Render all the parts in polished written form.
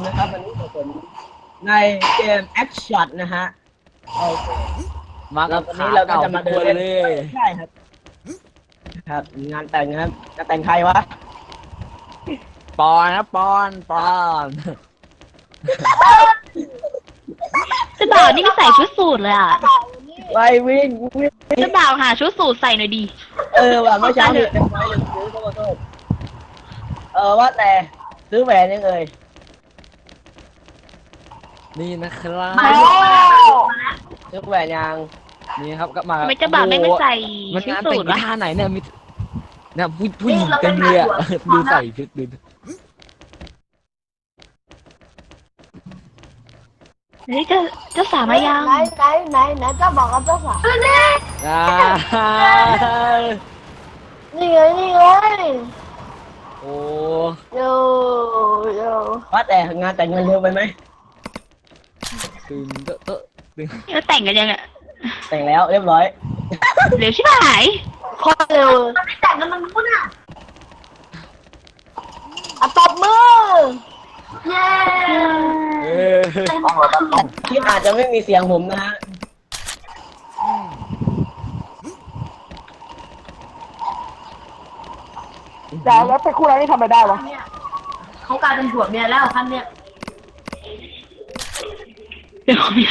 นะครับวันนี้ผมในเกมแอคชั่นนะฮะโอเคมากับวันนี้เราก็จะมาเดินเลยใช่ครับครับงานแต่งนะครับจะแต่งใครวะปอนนะปอนเจ้าบ่าวนี่ไม่ใส่ชุดสูทเลยอ่ะไปวิ่งเจ้าบ่าวหาชุดสูทใส่หน่อยดีว่ะเมื่อเช้าเนี่ยเป็นไฟลืมซื้อโทษว่าแต่ซื้อแหวนยังเอ่ยนี่นะครับซื้อแหวนยังนี่ครับก็มาทำไมเจ้าบ่าวไม่ใส่มันชุดงานสูแต่งทวะท่าไหนเนี่ยมีเนี่ยผู้หญิงเต็มเลยอะดูใส่ชุดดูเฮ้ยเจ้าสาวมายังไหนเจ้าบอกกับเจ้าสาวอ่านี่ไงโอ้โยโยว่าแต่งานแต่งงานเร็วไปไหมตื่นเตอะตื่นแล้วแต่งกันยังอ่ะแต่งแล้วเรียบร้อยเร็วชิบหายโคตรเร็วไม่แต่งกันมันพูดอ่ะตบมือเย้เออคลิปอาจจะไม่มีเสียงผมนะฮะแล้วไปคู่อะไรนี่ทำไปได้วะเขากลายเป็นผัวเมียแล้วคันเนี้ยเดี๋ยวเนี่ย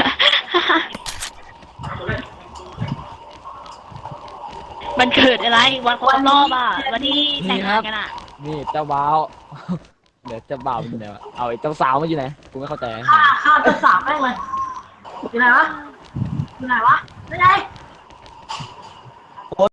มันเกิดอะไรวันครบรอบอ่ะวันที่แต่งงานกันอ่ะนี่เจ้าบ่าวเดี๋ยวเจ้าบ่าวมันอยู่ไหนวะเอาไอ้เจ้าสาวมันอยู่ไหนกูไม่เข้าใจฆ่าเจ้าสาวแม่งเลยอยู่ไหนวะไม่ไง